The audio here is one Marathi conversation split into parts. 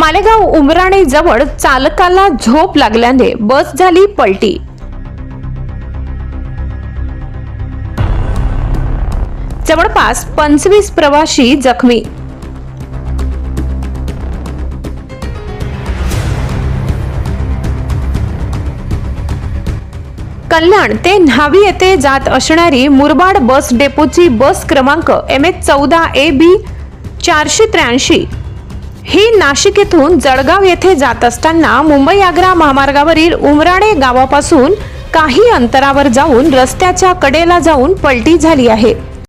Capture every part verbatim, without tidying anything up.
मालेगाव उमराणे जवळ चालकाला झोप लागल्याने बस झाली पलटी। जवळपास पंचवीस प्रवासी जखमी। कल्याण ते न्हावी येथे जात असणारी मुरबाड बस डेपोची बस क्रमांक एम एच चौदा ए बी चारशे त्र्याऐंशी ही नाशिक येथून जळगाव येथे जात असताना मुंबई आग्रा महामार्गावरील उमराणे गावापासून काही अंतरावर जाऊन रस्त्याच्या कडेला जाऊन पलटी झाली आहे।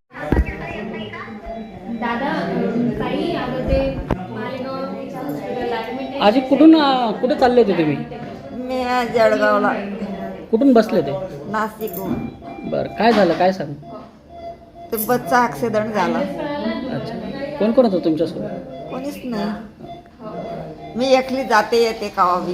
आज कुठून कुठे चालले होते तुम्ही? मी जळगावला। कुठून बसले ते? नाशिकहून। बरं, काय झालं, काय सांग? ते बसचा ॲक्सिडेंट झाला। अच्छा, कोण कोण होतं तुमच्यासोबत? कोणीच नाही, मी एकली जाते येते कावाबी।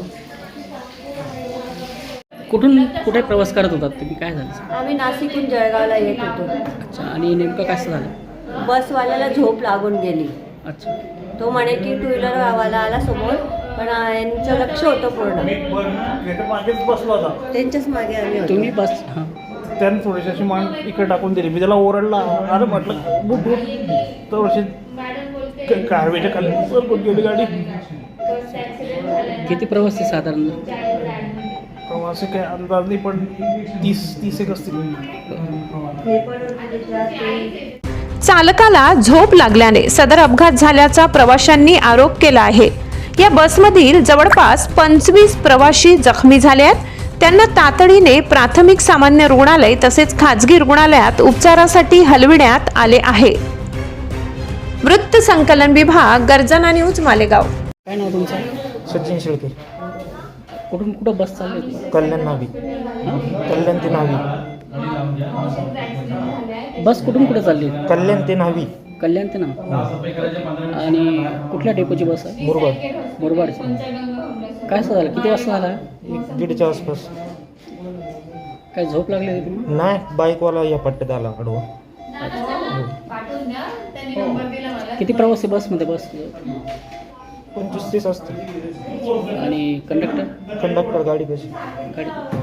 कुठून कुठे प्रवास करत होतात तुम्ही, काय झालं? आम्ही नाशिकहून जळगावला येत होतो। अच्छा, आणि नेमकं काय झालं? बसवाल्याला झोप लागून गेली। अच्छा, तो म्हणे की टू व्हीलर वाला आला समोर, पण यांचं लक्ष होतं पूर्ण मागेच बसला होता, त्यांच्याच मागे आम्ही होतो। तुम्ही बस हां त्यानं थोडीशी अशी मान इकडे टाकून दिली। मी त्याला ओरडला, अरे म्हटलं बुट बुट तर अशी कारवेच्या खाली सर कुठे गेली गाडी। किती प्रवासी साधारण? प्रवासी काय अंदाज नाही, पण तीस तीस एक असतील। चालकाला झोप लागल्याने सदर अपघात झाल्याचा प्रवाशांनी आरोप केला आहे। या बसमधील जवळपास पंचवीस प्रवासी जखमी झाले आहेत। त्यांना तातडीने प्राथमिक सामान्य रुग्णालय तसेच खाजगी रुग्णालयात उपचारासाठी हलविण्यात आले आहे। वृत्त संकलन विभाग, गर्जना न्यूज, मालेगाव। काय नाव तुमचं? सचिन शेळके। कुठून कुठं बस चालली होती? कल्याण नावी, कल्याण ते नावी। बस कुठून कुठे चालली होती? कल्याण ते नावी। कल्याण ते ना? आणि कुठल्या डेपोची बस आहे? मुरबाड। मुरबाडची। काय असं झालं, किती वाजता झाला? एक दीडच्या आसपास। काय झोप लागली होती तुम्ही? नाही, बाईकवाला या पट्ट्यात आला आडवा। किती प्रवासी बसमध्ये बस? पंचवीस तीस असते। आणि कंडक्टर? कंडक्टर गाडी कशी गाडी